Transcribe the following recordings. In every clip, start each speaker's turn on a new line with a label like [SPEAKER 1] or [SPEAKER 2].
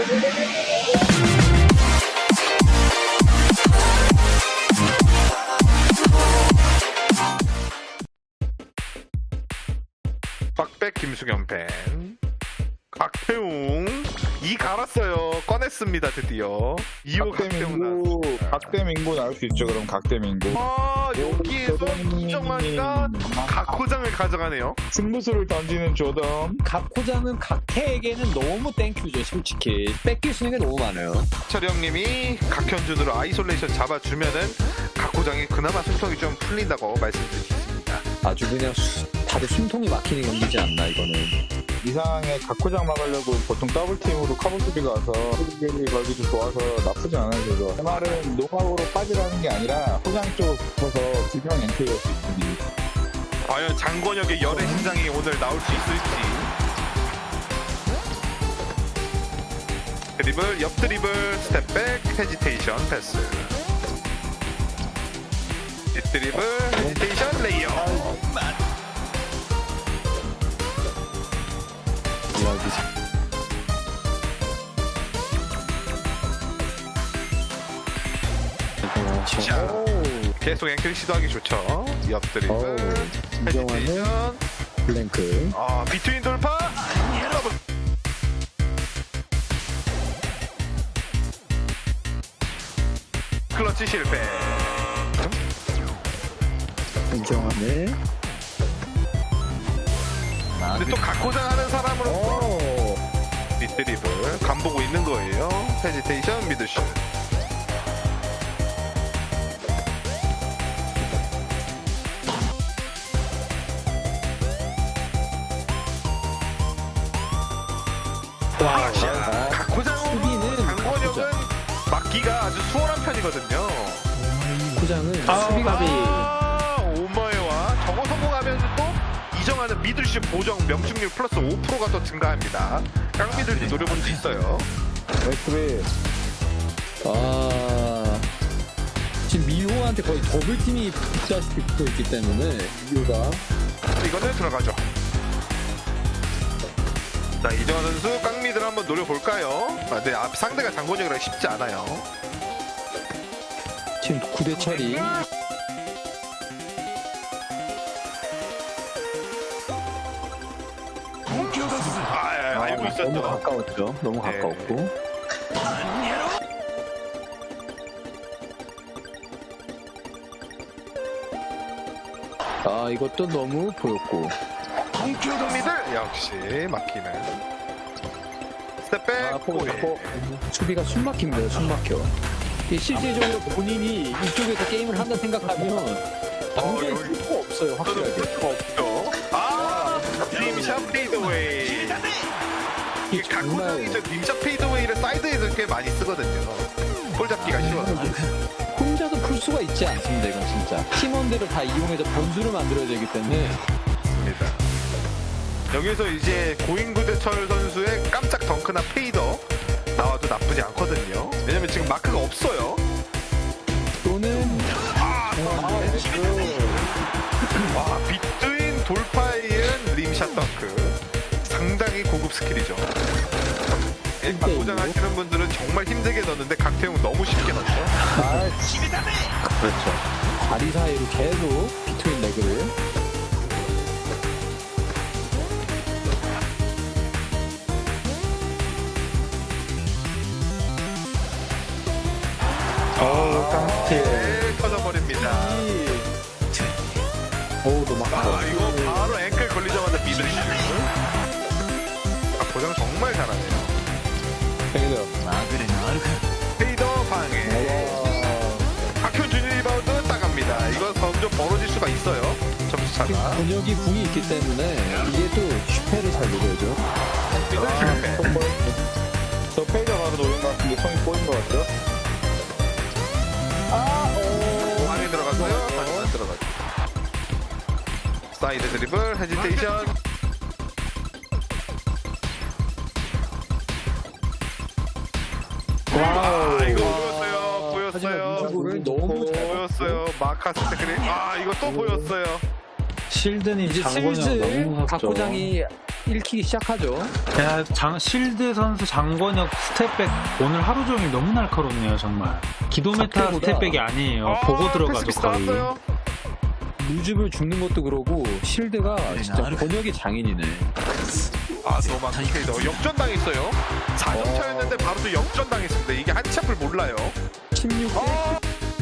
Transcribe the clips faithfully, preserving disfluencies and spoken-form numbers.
[SPEAKER 1] 빡백 김수겸 팬 각태웅 이 갈았어요. 꺼냈습니다. 드디어 이 호 각태웅
[SPEAKER 2] 각대민구,
[SPEAKER 1] 나왔습니다.
[SPEAKER 2] 각대민구 나올 수 있죠. 그럼 각대민구.
[SPEAKER 1] 아 여기에서 이정환이가 각호장을 가져가네요.
[SPEAKER 2] 승부수를 던지는 조덤.
[SPEAKER 3] 각호장은 각태에게는 너무 땡큐죠. 솔직히 뺏길 수 있는 게 너무 많아요.
[SPEAKER 1] 철영님이 각현준으로 아이솔레이션 잡아주면은 각호장이 그나마 숨통이 좀 풀린다고 말씀드리겠습니다.
[SPEAKER 3] 아주 그냥 수- 다들 숨통이 막히는 경기지 않나 이거는.
[SPEAKER 2] 이 상황에 각호장 막으려고 보통 더블팀으로 커버 수비가 와서 수비 걸기도 좋아서 나쁘지 않아요. 그래서 제 말은 노하우로 빠지라는 게 아니라 호장 쪽으로 붙어서 기병 엔트리할 수 있습니다.
[SPEAKER 1] 과연 장권혁의 열애 신장이 오늘 나올 수 있을지. 드리블, 옆 드리블, 스텝백, 헤지테이션, 패스. 뒷 드리블, 헤지테이션, 레이어. 자, 계속 앵클 시도하기 좋죠. 옆 드리블,
[SPEAKER 3] 어우, 이정환의
[SPEAKER 1] 헤지테이션.
[SPEAKER 3] 블랭크.
[SPEAKER 1] 아, 비트윈 돌파. 여러분. 클러치 실패.
[SPEAKER 3] 이정환의
[SPEAKER 1] 근데 또 각고장 하는 사람으로
[SPEAKER 3] 오.
[SPEAKER 1] 밑드리블 간 보고 있는 거예요. 헤지테이션 미드슛. 아, 자, 각고장으로
[SPEAKER 3] 수비는
[SPEAKER 1] 장권혁은 막기가 아주 수월한 편이거든요.
[SPEAKER 3] 호장은 수비갑이
[SPEAKER 1] 아, 오머에와 저거 성공하면 또 이정하는 미들슛 보정 명중률 플러스 오 퍼센트가 더 증가합니다. 깡미들도 노려볼 수 있어요.
[SPEAKER 2] 웨스트비
[SPEAKER 3] 아 지금 미호한테 거의 더블팀이 붙다시피 붙어 있기 때문에 미호가
[SPEAKER 1] 이거는 들어가죠. 자, 이정환 선수 깡미들 한번 노려볼까요? 아, 네, 앞 상대가 장권혁이라 쉽지 않아요.
[SPEAKER 3] 지금 구 대 처리.
[SPEAKER 1] 아, 예, 알고
[SPEAKER 3] 너무
[SPEAKER 1] 있었죠.
[SPEAKER 3] 가까웠죠. 너무
[SPEAKER 1] 네.
[SPEAKER 3] 가까웠고. 아 이것도 너무 보였고.
[SPEAKER 1] 깡미들 역시 막히는. 스텝백.
[SPEAKER 3] 아, 포,
[SPEAKER 1] 골.
[SPEAKER 3] 포. 수비가 숨 막힙니다. 숨 막혀. 이 실질적으로 본인이 이쪽에서 게임을 한다 생각하면 당장에
[SPEAKER 1] 여기-
[SPEAKER 3] 쓸 수가 없어요. 확실하게.
[SPEAKER 1] 없죠. 아, 림샷 페이드웨이. 이게
[SPEAKER 3] 정말
[SPEAKER 1] 각고장이 저 림샷 페이드웨이를 사이드에서 꽤 많이 쓰거든요. 볼 잡기가 쉬워서.
[SPEAKER 3] 혼자도 풀 수가 있지 않습니다. 이건 진짜 팀원들을 다 이용해서 변수를 만들어야 되기 때문에
[SPEAKER 1] 입니다. 여기서 이제 고인구대철 선수의 깜짝 덩크나 페이더 나와도 나쁘지 않거든요. 왜냐면 지금 마크가 없어요.
[SPEAKER 3] 또는
[SPEAKER 1] 아, 와, 빗두인 돌파에 이은 림샷 덩크. 상당히 고급 스킬이죠. 각고장 하시는 분들은 정말 힘들게 넣는데 각태웅 너무 쉽게 넣죠.
[SPEAKER 3] 아, 그렇죠. 다리 사이로 계속 비트윈 레그를
[SPEAKER 2] 어우 깡스틸.
[SPEAKER 1] 네, 터져버립니다.
[SPEAKER 3] 어우 너무 아까워.
[SPEAKER 1] 아, 이거 바로 앵클 걸리자마자 미들슛. 각고장 정말 잘하네요.
[SPEAKER 2] 페이더.
[SPEAKER 1] 페이더 방해. 박효준 리바운드 따갑니다. 이거 점점 벌어질 수가 있어요. 점수 차가.
[SPEAKER 3] 권혁이 궁이 있기 때문에 이게 또 슈페를 잘 노려야죠.
[SPEAKER 2] 저 페이더 바로 노린 것 같은데 손이 꼬인 것 같죠?
[SPEAKER 1] 방에 들어갔어요. 다시 안 들어가죠. 사이드 드리블, 헤지테이션. 아, 이거 보였어요. 보였어요.
[SPEAKER 3] 이쪽을 너무 잘
[SPEAKER 1] 보였어요. 마카스 테크닉. 아, 이거 또 보였어요.
[SPEAKER 4] 실드님
[SPEAKER 3] 이제
[SPEAKER 4] 장본영 너무
[SPEAKER 3] 슬슬
[SPEAKER 4] 무섭죠.
[SPEAKER 3] 각고장이 읽히기 시작하죠.
[SPEAKER 4] 야, 장, 실드 선수 장권혁 스텝백 오늘 하루 종일 너무 날카롭네요 정말. 기도메타
[SPEAKER 3] 각도보다-
[SPEAKER 4] 스텝백이 아니에요.
[SPEAKER 1] 아,
[SPEAKER 4] 보고 들어가죠
[SPEAKER 1] 패스미스
[SPEAKER 4] 거의.
[SPEAKER 1] 나왔어요.
[SPEAKER 3] 루즈블 죽는 것도 그러고 실드가 진짜 번역이 장인이네.
[SPEAKER 1] 아, 노만 피케이더 역전 당했어요. 사 점 차였는데 바로 또 역전 당했습니다. 이게 한치 앞을 몰라요.
[SPEAKER 3] 십육 대
[SPEAKER 1] 아,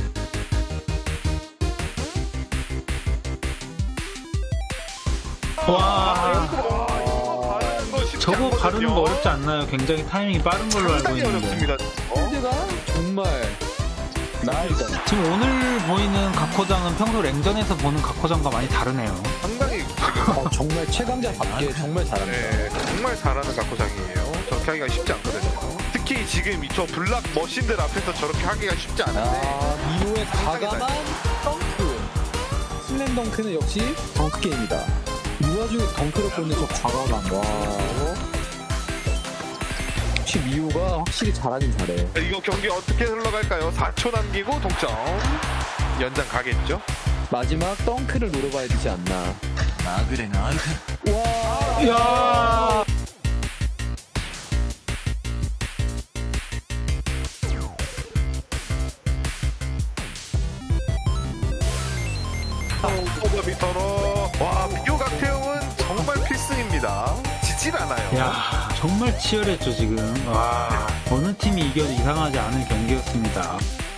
[SPEAKER 4] 와,
[SPEAKER 1] 와, 이거 바르는 거 쉽지
[SPEAKER 4] 저거
[SPEAKER 1] 않거든요.
[SPEAKER 4] 바르는 거 어렵지 않나요? 굉장히 타이밍이 빠른 걸로 알고
[SPEAKER 1] 상당히
[SPEAKER 4] 있는데.
[SPEAKER 1] 어렵습니다. 어?
[SPEAKER 3] 실드가 정말
[SPEAKER 2] 나이스.
[SPEAKER 4] 지금 오늘 보이는 각호장은 평소 랭전에서 보는 각호장과 많이 다르네요.
[SPEAKER 1] 상당히 지금
[SPEAKER 3] 어, 정말 최강자답게 정말 잘합니다.
[SPEAKER 1] 네, 정말 잘하는 각고장이에요. 저렇게 하기가 쉽지 않거든요. 특히 지금 이 저 블락 머신들 앞에서 저렇게 하기가 쉽지 않은데
[SPEAKER 3] 아, 이후에
[SPEAKER 1] 상당히
[SPEAKER 3] 과감한 덩크. 슬램 덩크는 역시 덩크 게임이다. 이 와중에 덩크를 꽂는 저 과감함. 와. 역시 미우가 확실히 잘하긴 잘해.
[SPEAKER 1] 이거 경기 어떻게 흘러갈까요? 사 초 남기고 동점. 연장 가겠죠?
[SPEAKER 3] 마지막 덩크를 노려봐야 되지 않나. 와.
[SPEAKER 4] 이야.
[SPEAKER 1] 오버비터로 와 비교 각태용은 정말 필승입니다. 지질 않아요.
[SPEAKER 4] 야, 정말 치열했죠 지금. 와, 어느 팀이 이겨도 이상하지 않은 경기였습니다.